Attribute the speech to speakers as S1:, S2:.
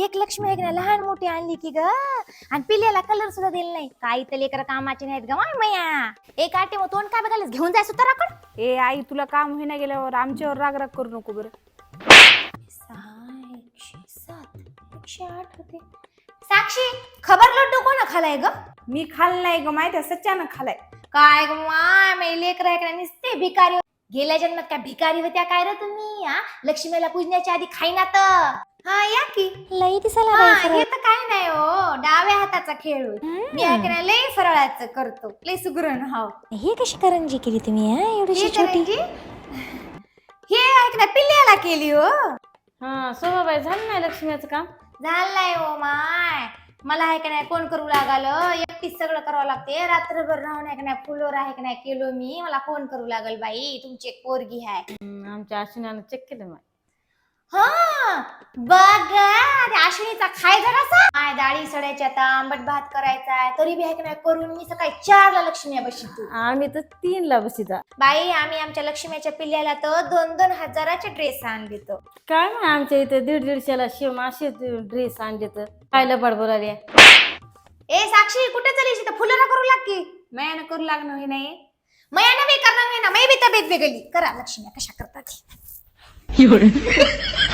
S1: एक लक्ष्मी आहे की नाही लहान मोठी आणली की ग आणि पिल्याला कलर सुद्धा दिला नाही. काही तर लेकर कामाचे नाहीत ग माय मया. एक आटे मग तोंड काय बघायला घेऊन जायचं तर आपण.
S2: ए आई तुला काम होईना गेल्यावर आमच्यावर राग राग करू नको बरं.
S1: 6 107 108 होते. साक्षी खबर लड्डू कोण खालाय ग?
S2: मी खाल्लं नाही ग माहिती सच्चानं खालाय.
S1: काय ग माय मै लेकर आहे का नुसते भिकारी. गेल्या जन्मात काय भिकारी होत्या काय रे तुम्ही? लक्ष्मीला पूजण्याच्या आधी खाईना तर. हा या की लई दिसायला हे तर काय नाही हो डाव्या हाताचा खेळ मी ऐकणार लई फराळाचं करतो लई सुगरण हाव. हे कशी करंजी केली तुम्ही एवढीशी छोटी? हे ऐकणार पिल्ल्याला केली हो.
S2: हा सोबाबाई झालं नाही लक्ष्मीचं काम?
S1: झालंय हो माय. मला आहे का नाही कोण करू लागलं एकटीच सगळं करावं लागते. रात्रभर राहून आहे का नाही फुलोर आहे का नाही केलो मी. मला कोण करू लागल बाई. तुमची एक पोरगी आहे.
S2: आमच्या अश्विनानं चेक केलं माय.
S1: हा बघ अश्विनीचा खाय जरासा. माय डाळी सडायची आता आंबट भात करायचा आहे तरी बी आहे का नाही करून मी सकाळी 4 ला लक्ष्मी बसतो.
S2: आम्ही तर 3 ला बसिता.
S1: बाई आम्ही आमच्या लक्ष्मीच्या पिल्ल्याला तर 2-2 हजाराचे ड्रेस आणले तर.
S2: काय नाही आमच्या इथे 150-150 ला शिव असे ड्रेस आणले तर खायला बडबड आली.
S1: ए साक्षी कुठे चालीस इथं फुलं करू लाग की.
S2: मयानं करू लागणं हे नाही.
S1: मयानं बी करणार नाही ना मै बी तब्येत वेगळी करा लक्ष्मी कशा करतात.